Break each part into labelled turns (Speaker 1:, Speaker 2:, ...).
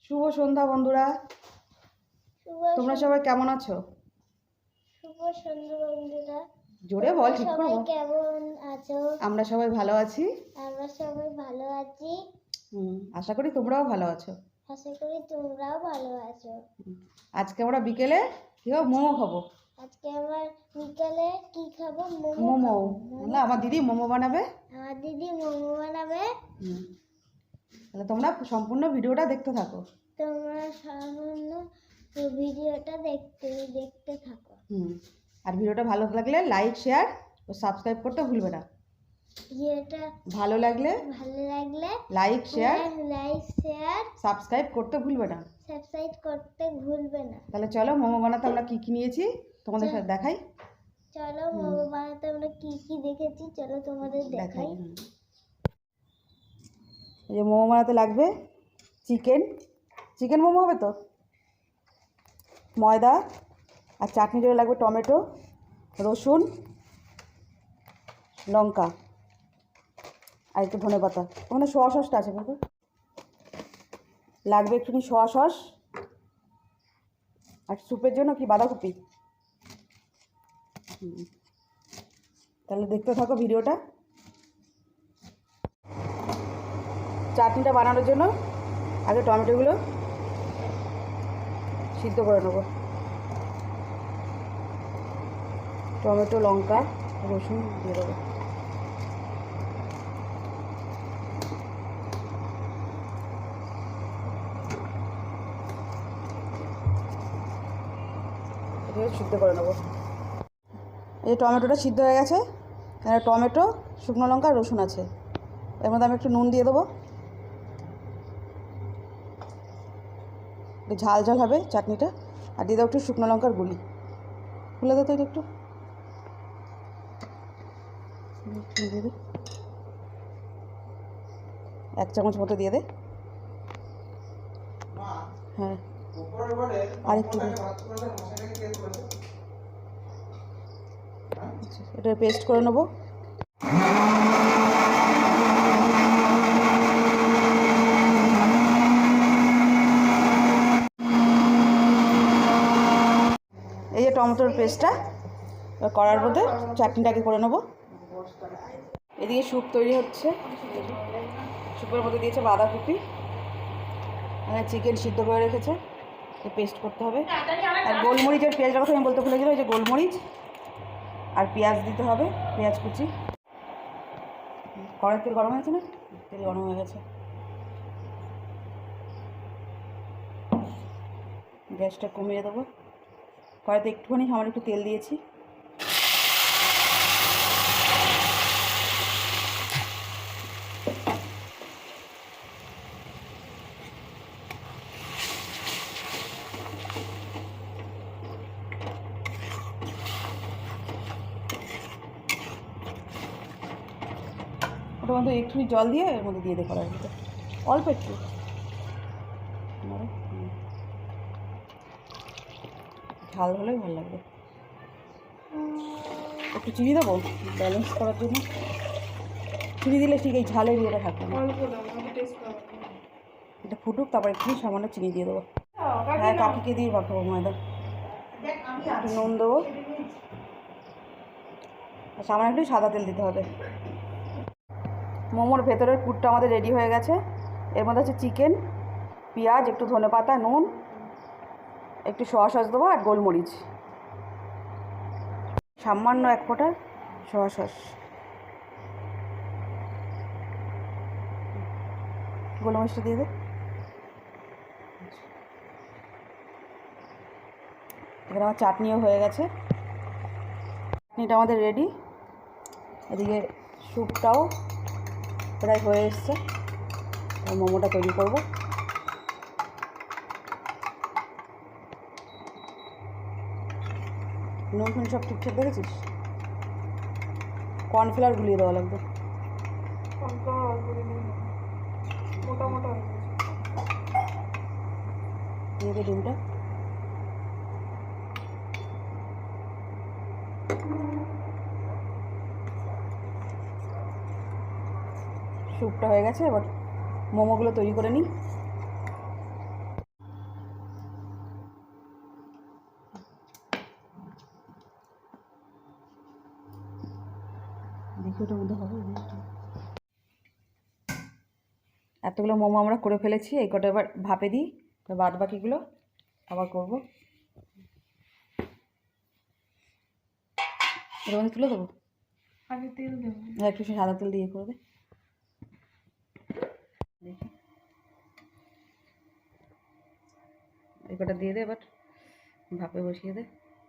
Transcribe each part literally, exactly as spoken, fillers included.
Speaker 1: শুভ সন্ধ্যা বন্ধুরা।
Speaker 2: শুভ
Speaker 1: তোমরা সবাই কেমন আছো?
Speaker 2: শুভ সন্ধ্যা বন্ধুরা।
Speaker 1: জোরে বল, ঠিক করে
Speaker 2: সবাই
Speaker 1: বল।
Speaker 2: কেমন আছো?
Speaker 1: আমরা সবাই ভালো আছি।
Speaker 2: আমরা সবাই ভালো আছি।
Speaker 1: হুম, আশা করি তোমরাও ভালো আছো।
Speaker 2: আশা করি তোমরাও ভালো আছো।
Speaker 1: আজকে আমরা বিকেলে কি খাবো? মোমো খাবো।
Speaker 2: আজকে আমার বিকালে কি খাবো? মোমো
Speaker 1: মোমো
Speaker 2: খাবো।
Speaker 1: না, আমার দিদি মোমো বানাবে।
Speaker 2: আমার দিদি মোমো বানাবে।
Speaker 1: হুম, তাহলে তোমরা সম্পূর্ণ ভিডিওটা দেখতে থাকো।
Speaker 2: তোমরা সামান্য ভিডিওটা দেখতে দেখতে থাকো।
Speaker 1: হুম, আর ভিডিওটা ভালো লাগলে লাইক, শেয়ার ও সাবস্ক্রাইব করতে ভুলবে না।
Speaker 2: ভিডিওটা
Speaker 1: ভালো লাগলে
Speaker 2: ভালো লাগলে
Speaker 1: like, share,
Speaker 2: like share
Speaker 1: subscribe করতে ভুলবে না।
Speaker 2: সাবস্ক্রাইব করতে ভুলবে না।
Speaker 1: তাহলে চলো মোমো বানাতে আমরা কি কি নিয়েছি তোমাদের সাথে দেখাই।
Speaker 2: চলো মোমো বানাতে আমরা কি কি দেখেছি চলো তোমাদের দেখাই।
Speaker 1: এই যে মোমো বানাতে লাগবে চিকেন চিকেন মোমো হবে তো, ময়দা আর চাটনি জন্য লাগবে টমেটো, রসুন, লঙ্কা আর একটু ধনে পাতা। ওখানে সোয়া সসটা আছে বলতো, লাগবে একটুখানি সোয়া সস আর স্যুপের জন্য কি বাঁধাকপি। হুম, তাহলে দেখতে থাকো ভিডিওটা। চাটনিটা বানানোর জন্য আগে টমেটোগুলো সিদ্ধ করে নেবো। টমেটো, লঙ্কা, রসুন দিয়ে দেবো। এটাকে সিদ্ধ করে নেবো। এই টমেটোটা সিদ্ধ হয়ে গেছে। এখানে টমেটো, শুকনো লঙ্কা, রসুন আছে। এর মধ্যে আমি একটু নুন দিয়ে দেবো, একটু ঝাল ঝাল হবে চাটনিটা। আর দিয়ে দেবো একটু শুকনো লঙ্কার গুঁড়ি। খুলে দেবো তো এটা একটু দিয়ে দে, এক চামচ মতো দিয়ে দে। হ্যাঁ, আর একটু দে। এটা পেস্ট করে নেবো। এই যে টমেটোর পেস্টটা করার মধ্যে চাটনিটাকে করে নেবো। এদিকে স্যুপ তৈরি হচ্ছে। স্যুপের মধ্যে দিয়েছে বাঁধাকপি, মানে চিকেন সিদ্ধ করে রেখেছে, পেস্ট করতে হবে। আর গোলমরিচের পেঁয়াজের কথা আমি বলতে ভুলে গেলাম, এই যে গোলমরিচ আর পেঁয়াজ দিতে হবে, পেঁয়াজ কুচি। কড়াই তেল গরম হয়েছে না? তেল গরম হয়ে গেছে। গ্যাসটা কমিয়ে দেবো। কড়াইতে একটুখানি সামান্য একটু তেল দিয়েছি। ওটার মধ্যে একটুখানি জল দিয়ে এর মধ্যে দিয়ে দে কড়াইয়ের মধ্যে, অল্প একটু। ঝাল হলেই ভালো লাগবে। একটু চিনি দেবো ব্যালেন্স করার জন্য। চিনি দিলে ঠিক এই ঝালের ইয়েটা থাকবে না। এটা ফুটুক, তারপর একটু সামান্য চিনি দিয়ে দেবো। হ্যাঁ, কাকিকে দিয়ে মাখাবো ময়দা। একটু নুন দেবো আর সামান্য একটু সাদা তেল দিতে হবে। মোমোর ভেতরের পুরটা আমাদের রেডি হয়ে গেছে। এর মধ্যে আছে চিকেন, পেঁয়াজ, একটু ধনে পাতা, নুন, একটু সোয়া সস দেবো আর গোলমরিচ, সামান্য এক ফোঁটা সোয়া সস, গোলমরিচটা দিয়ে দে। এখানে আমার চাটনিও হয়ে গেছে। চাটনিটা আমাদের রেডি। এদিকে স্যুপটাও প্রায় হয়ে এসছে। মোমোটা তৈরি করব। নুন ফুন সব ঠিকঠাক দেখেছিস? কর্নফ্লাওয়ার গুলিয়ে দেওয়া লাগবে। দিয়ে দে ডিমটা। স্যুপটা হয়ে গেছে, এবার মোমোগুলো তৈরি করে নিই। দেখি ওটার মধ্যে হবে। এতগুলো মোমো আমরা করে ফেলেছি, এই কটা এবার ভাপে দিই, বাদ বাকিগুলো আবার করবো। এর মধ্যে তুলে দেবো,
Speaker 3: আগে তেল দেবো।
Speaker 1: হ্যাঁ একটু সাদা তেল দিয়ে করে দে। দেখি এই কটা দিয়ে দে, এবার ভাপে বসিয়ে দে।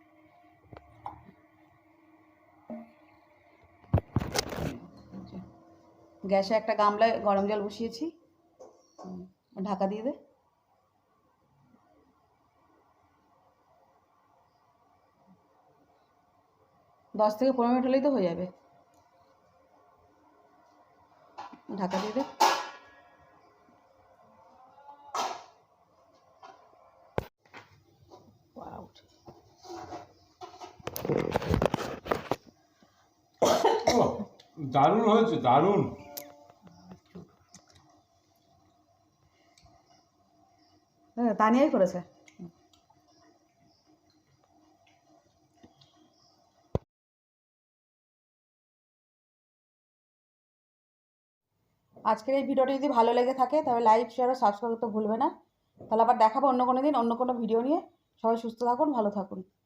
Speaker 1: গ্যাসে একটা গামলায় গরম জল বসিয়েছি, ঢাকা দিয়ে দে। দশ থেকে পনেরো মিনিট হলেই তো হয়ে যাবে, ঢাকা দিয়ে দে।
Speaker 4: ও দারুণ হয়েছে, দারুণ।
Speaker 1: হ্যাঁ তানিয়াই করেছে। আজকের এই ভিডিওটি যদি ভালো লেগে থাকে তবে লাইক শেয়ার ও সাবস্ক্রাইব করতে ভুলবে না। তাহলে আবার দেখাবো অন্য কোনো দিন অন্য কোনো ভিডিও নিয়ে। সবাই সুস্থ থাকুন, ভালো থাকুন।